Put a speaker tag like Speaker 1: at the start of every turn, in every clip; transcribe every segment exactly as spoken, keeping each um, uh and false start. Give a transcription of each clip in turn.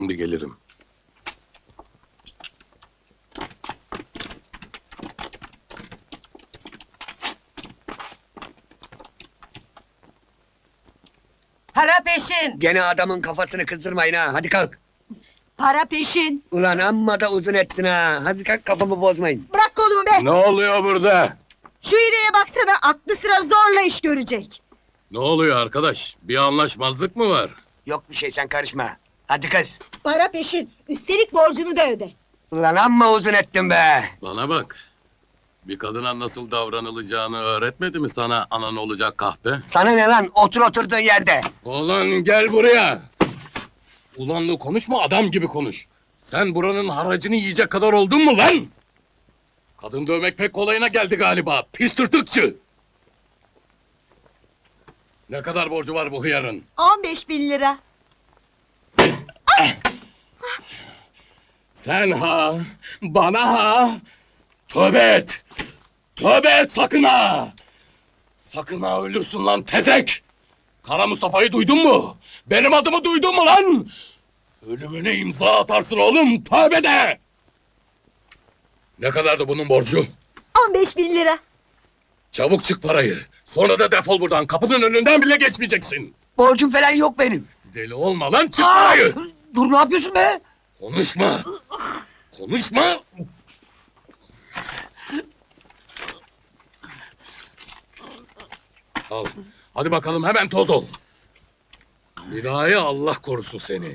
Speaker 1: Şimdi gelirim.
Speaker 2: Para peşin.
Speaker 3: Gene adamın kafasını kızdırmayın ha. Hadi kalk.
Speaker 2: Para peşin.
Speaker 3: Ulan amma da uzun ettin ha. Hadi kalk, kafamı bozmayın.
Speaker 2: Bırak kolumu be.
Speaker 1: Ne oluyor burada?
Speaker 2: Şu iğneye baksana, aklı sıra zorla iş görecek.
Speaker 1: Ne oluyor arkadaş? Bir anlaşmazlık mı var?
Speaker 3: Yok bir şey, sen karışma. Hadi kız.
Speaker 2: Para peşin. Üstelik borcunu da öde.
Speaker 3: Ulan amma uzun ettin be.
Speaker 1: Bana bak. Bir kadına nasıl davranılacağını öğretmedi mi sana anan olacak kahpe?
Speaker 3: Sana ne lan? Otur oturduğun yerde.
Speaker 1: Ulan gel buraya. Ulanlı konuşma, adam gibi konuş. Sen buranın haracını yiyecek kadar oldun mu lan? Kadın dövmek pek kolayına geldi galiba. Pis tırtıkçı. Ne kadar borcu var bu hıyarın?
Speaker 2: On beş bin lira.
Speaker 1: Sen ha, bana ha. Tövbe et. Tövbe et sakın ha. Sakın ha, ölürsün lan tezek. Kara Mustafa'yı duydun mu? Benim adımı duydun mu lan? Ölümüne imza atarsın oğlum, tövbe de! Ne kadardı bunun borcu?
Speaker 2: On beş bin lira.
Speaker 1: Çabuk çık parayı. Sonra da defol buradan. Kapının önünden bile geçmeyeceksin.
Speaker 3: Borcum falan yok benim.
Speaker 1: Deli olma lan, çık
Speaker 3: Aa!
Speaker 1: parayı!
Speaker 3: Dur, ne yapıyorsun be?
Speaker 1: Konuşma! Konuşma! Al. Hadi bakalım, hemen toz ol. Binayı Allah korusun seni.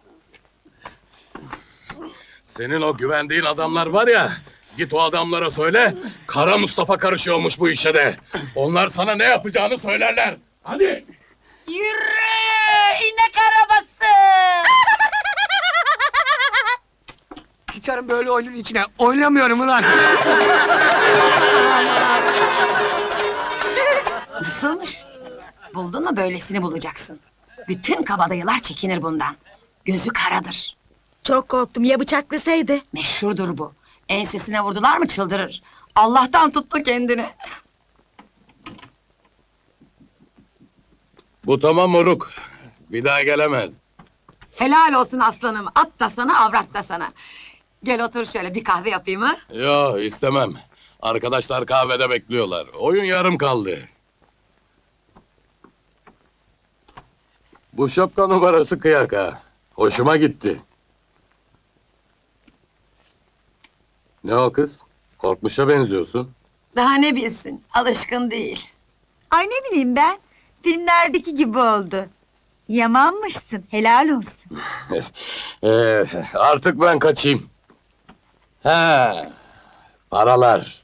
Speaker 1: Senin o güvendiğin adamlar var ya, git o adamlara söyle, Kara Mustafa karışıyormuş bu işe de. Onlar sana ne yapacağını söylerler. Hadi!
Speaker 2: Yürü! İnek arabası!
Speaker 3: Sıçarım böyle oyunun içine. Oynamıyorum ulan.
Speaker 4: Nasılmış? Buldun mu, böylesini bulacaksın. Bütün kabadayılar çekinir bundan. Gözü karadır.
Speaker 2: Çok korktum, ya bıçaklasaydı?
Speaker 4: Meşhurdur bu. Ensesine vurdular mı çıldırır. Allah'tan tuttu kendini.
Speaker 1: Bu tamam moruk. Bir daha gelemez.
Speaker 4: Helal olsun aslanım. At da sana, avrat da sana. Gel otur şöyle, bir kahve yapayım ha.
Speaker 1: Yo, istemem. Arkadaşlar kahvede bekliyorlar. Oyun yarım kaldı. Bu şapka numarası kıyak ha. Hoşuma gitti. Ne o kız? Korkmuşa benziyorsun.
Speaker 4: Daha ne bilsin, alışkın değil.
Speaker 2: Ay ne bileyim ben, filmlerdeki gibi oldu. Yamanmışsın, helal olsun.
Speaker 1: Ee, artık ben kaçayım. He, paralar.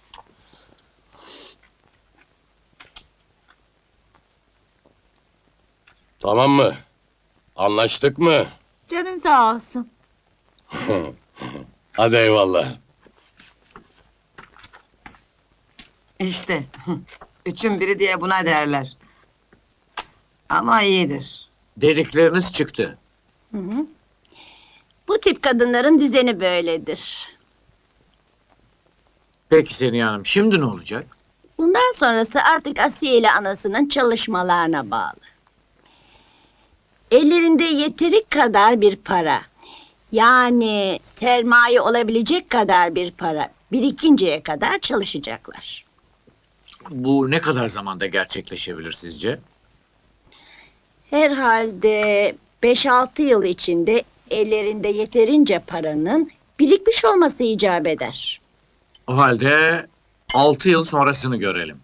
Speaker 1: Tamam mı? Anlaştık mı?
Speaker 2: Canın sağ olsun.
Speaker 1: Hadi eyvallah.
Speaker 4: İşte, üçün biri diye buna derler. Ama iyidir.
Speaker 5: Dedikleriniz çıktı.
Speaker 6: Bu tip kadınların düzeni böyledir.
Speaker 5: Peki Seniha Hanım, şimdi ne olacak?
Speaker 6: Bundan sonrası artık Asiye ile anasının çalışmalarına bağlı. Ellerinde yeteri kadar bir para, yani sermaye olabilecek kadar bir para birikinceye kadar çalışacaklar.
Speaker 5: Bu ne kadar zamanda gerçekleşebilir sizce?
Speaker 6: Herhalde beş altı yıl içinde ellerinde yeterince paranın birikmiş olması icap eder.
Speaker 5: O halde altı yıl sonrasını görelim.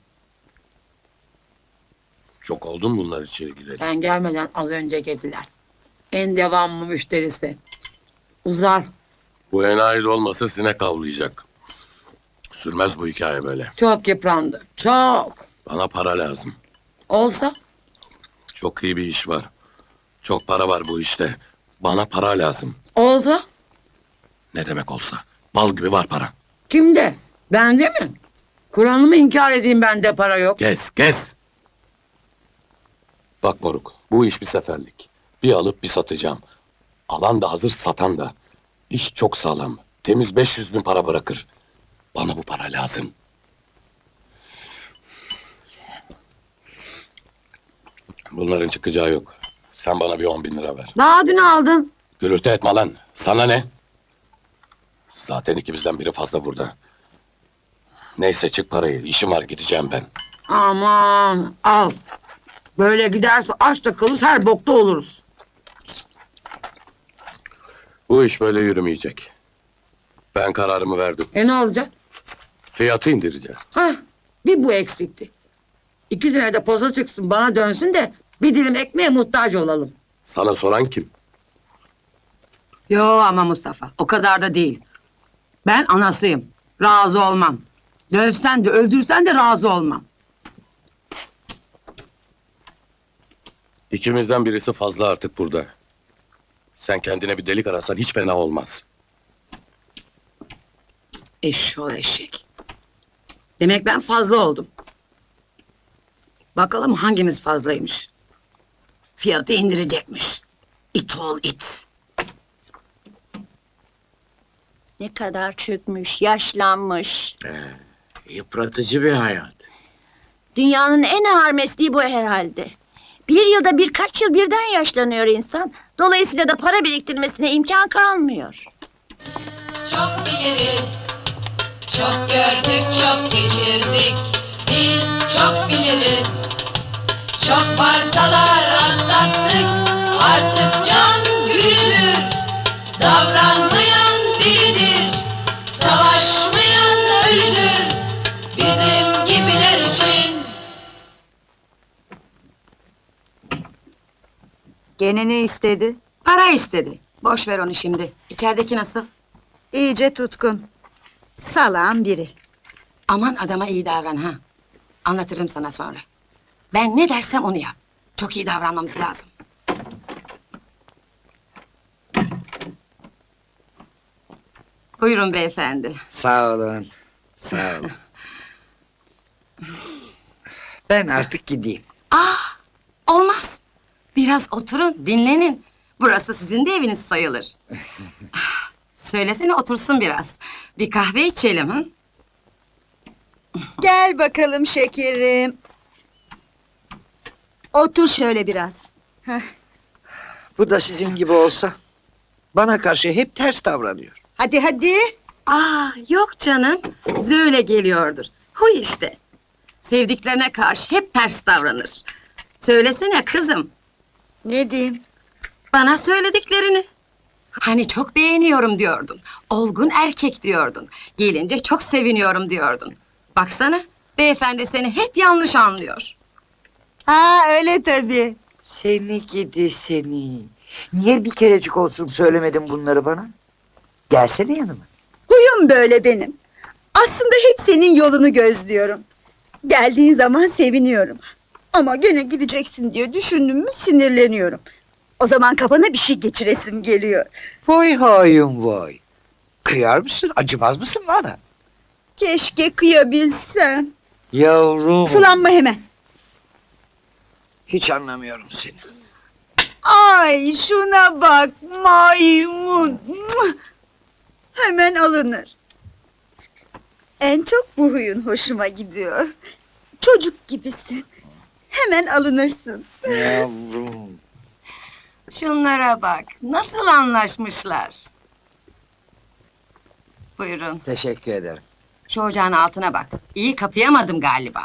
Speaker 1: Çok oldu mu bunlar içeri gireli?
Speaker 4: Sen gelmeden az önce geldiler. En devamlı müşterisi. Uzar.
Speaker 1: Bu enayi de olmasa sinek avlayacak. Sürmez bu hikaye böyle.
Speaker 4: Çok yıprandı. Çok.
Speaker 1: Bana para lazım.
Speaker 4: Olsa
Speaker 1: Çok iyi bir iş var. Çok para var bu işte. Bana para lazım.
Speaker 4: olsa
Speaker 1: Ne demek olsa. Bal gibi var para.
Speaker 4: kimde? Bende mi? Kur'an'ımı inkar edeyim, bende para yok.
Speaker 1: Kes, kes! Bak moruk, bu iş bir seferlik. Bir alıp bir satacağım. Alan da hazır, satan da. İş çok sağlam. Temiz beş yüz bin para bırakır. Bana bu para lazım. Bunların çıkacağı yok. Sen bana bir on bin lira ver.
Speaker 4: Daha dün aldım.
Speaker 1: Gürültü etme lan. Sana ne? Zaten ikimizden biri fazla burada. Neyse çık parayı. İşim var gideceğim ben.
Speaker 4: Aman al. Böyle giderse aç da kalırız her bokta oluruz.
Speaker 1: Bu iş böyle yürümeyecek. Ben kararımı verdim.
Speaker 4: E ne olacak?
Speaker 1: Fiyatı indireceğiz.
Speaker 4: Hah, bir bu eksikti. İki senede poza çıksın bana dönsün de bir dilim ekmeğe muhtaç olalım.
Speaker 1: Sana soran kim?
Speaker 4: Yo ama Mustafa o kadar da değil. Ben anasıyım. Razı olmam. Dövsen de öldürsen de razı olmam.
Speaker 1: İkimizden birisi fazla artık burada. Sen kendine bir delik arasan hiç fena olmaz.
Speaker 4: Eşşoğlu eşek. Demek ben fazla oldum. Bakalım hangimiz fazlaymış. Fiyatı indirecekmiş. İt ol it.
Speaker 6: Ne kadar çökmüş, yaşlanmış.
Speaker 5: Yıpratıcı bir hayat.
Speaker 6: Dünyanın en ağır mesleği bu herhalde. Bir yılda birkaç yıl birden yaşlanıyor insan. Dolayısıyla da para biriktirmesine imkan kalmıyor.
Speaker 7: Çok biliriz, çok gördük, çok geçirdik. Biz çok biliriz, çok vartalar atlattık. Artık can güçlüdür, davranmayan delidir. Savaşmayan ölüdür, bizim gibiler için.
Speaker 2: Gene ne istedi?
Speaker 4: Para istedi. Boş ver onu şimdi. İçerideki nasıl?
Speaker 2: İyice tutkun. Salağın biri.
Speaker 4: Aman adama iyi davran ha. Anlatırım sana sonra. Ben ne dersem onu yap. Çok iyi davranmamız lazım. Buyurun beyefendi.
Speaker 3: Sağ olun. Sağ olun. Ben artık gideyim.
Speaker 4: Ah, olmaz. Biraz oturun, dinlenin. Burası sizin de eviniz sayılır. Söylesene otursun biraz. Bir kahve içelim ha?
Speaker 2: Gel bakalım şekerim. Otur şöyle biraz.
Speaker 3: Bu da sizin gibi olsa bana karşı hep ters davranıyor.
Speaker 2: Hadi hadi.
Speaker 4: Aa, yok canım. Size öyle geliyordur. Huy işte. Sevdiklerine karşı hep ters davranır. Söylesene kızım.
Speaker 2: Ne diyeyim?
Speaker 4: Bana söylediklerini. Hani çok beğeniyorum diyordun. Olgun erkek diyordun. Gelince çok seviniyorum diyordun. Baksana, beyefendi seni hep yanlış anlıyor.
Speaker 2: Ha öyle tabii.
Speaker 3: Seni gidi seni. Niye bir kerecik olsun söylemedin bunları bana? Gelsene yanıma.
Speaker 2: Huyum böyle benim. Aslında hep senin yolunu gözlüyorum. Geldiğin zaman seviniyorum. Ama gene gideceksin diye düşündüm mü sinirleniyorum. O zaman kafana bir şey geçiresim geliyor.
Speaker 3: Vay hayım vay. Kıyar mısın? Acımaz mısın bana?
Speaker 2: Keşke kıyabilsem.
Speaker 3: Yavrum.
Speaker 2: Sulanma hemen.
Speaker 3: Hiç anlamıyorum seni.
Speaker 2: Ay şuna bak maymun. Muah! Hemen alınır. En çok bu huyun hoşuma gidiyor. Çocuk gibisin. Hemen alınırsın.
Speaker 3: Yavrum.
Speaker 4: Şunlara bak, nasıl anlaşmışlar. Buyurun,
Speaker 3: Teşekkür ederim.
Speaker 4: şu ocağın altına bak. İyi kapayamadım galiba.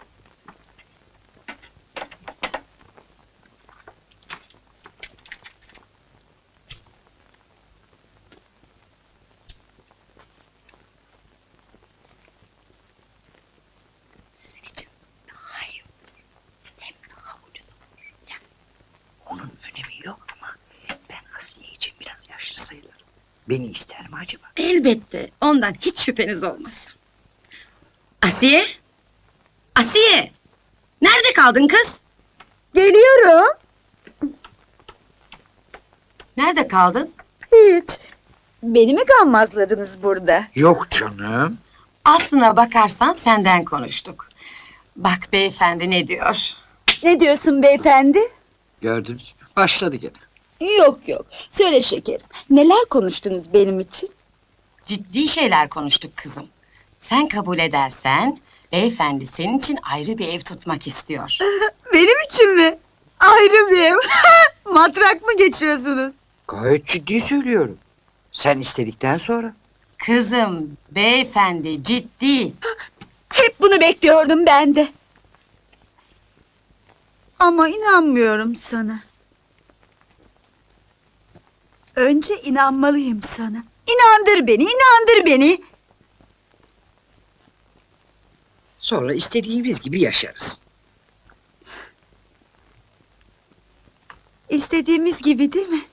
Speaker 4: Sizin için daha iyi olur. Hem daha ucuz olur. Ya.
Speaker 3: Onun önemi yok ama ben Asiye için biraz yaşlı sayılırım. Beni ister mi acaba?
Speaker 4: Elbette, ondan hiç şüpheniz olmasın. Asiye? Asiye! Nerede kaldın kız?
Speaker 2: Geliyorum.
Speaker 4: Nerede kaldın?
Speaker 2: Hiç. Beni mi gammazladınız burada?
Speaker 3: Yok canım.
Speaker 4: Aslına bakarsan senden konuştuk. Bak beyefendi ne diyor?
Speaker 2: Ne diyorsun beyefendi?
Speaker 3: Gördünüz mü? Başladı gene.
Speaker 2: Yok yok. Söyle şekerim. Neler konuştunuz benim için?
Speaker 4: Ciddi şeyler konuştuk kızım. Sen kabul edersen, beyefendi senin için ayrı bir ev tutmak istiyor.
Speaker 2: Benim için mi? Ayrı bir ev. Matrak mı geçiyorsunuz?
Speaker 3: Gayet ciddi söylüyorum. Sen istedikten sonra.
Speaker 4: Kızım, beyefendi ciddi.
Speaker 2: Hep bunu bekliyordum ben de. Ama inanmıyorum sana. Önce inanmalıyım sana. İnandır beni, inandır beni.
Speaker 3: Sonra istediğimiz gibi yaşarız.
Speaker 2: İstediğimiz gibi değil mi?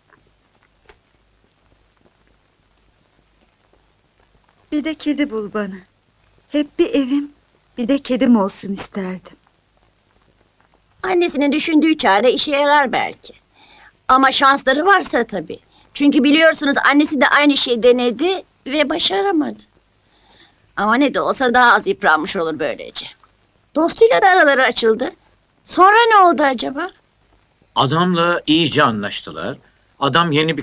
Speaker 2: Bir de kedi bul bana. Hep bir evim, bir de kedim olsun isterdim.
Speaker 6: Annesinin düşündüğü çare işe yarar belki. Ama şansları varsa tabii. Çünkü biliyorsunuz annesi de aynı şeyi denedi ve başaramadı. Ama ne de olsa daha az yıpranmış olur böylece. Dostuyla da araları açıldı. Sonra ne oldu acaba?
Speaker 5: Adamla iyice anlaştılar. Adam yeni bir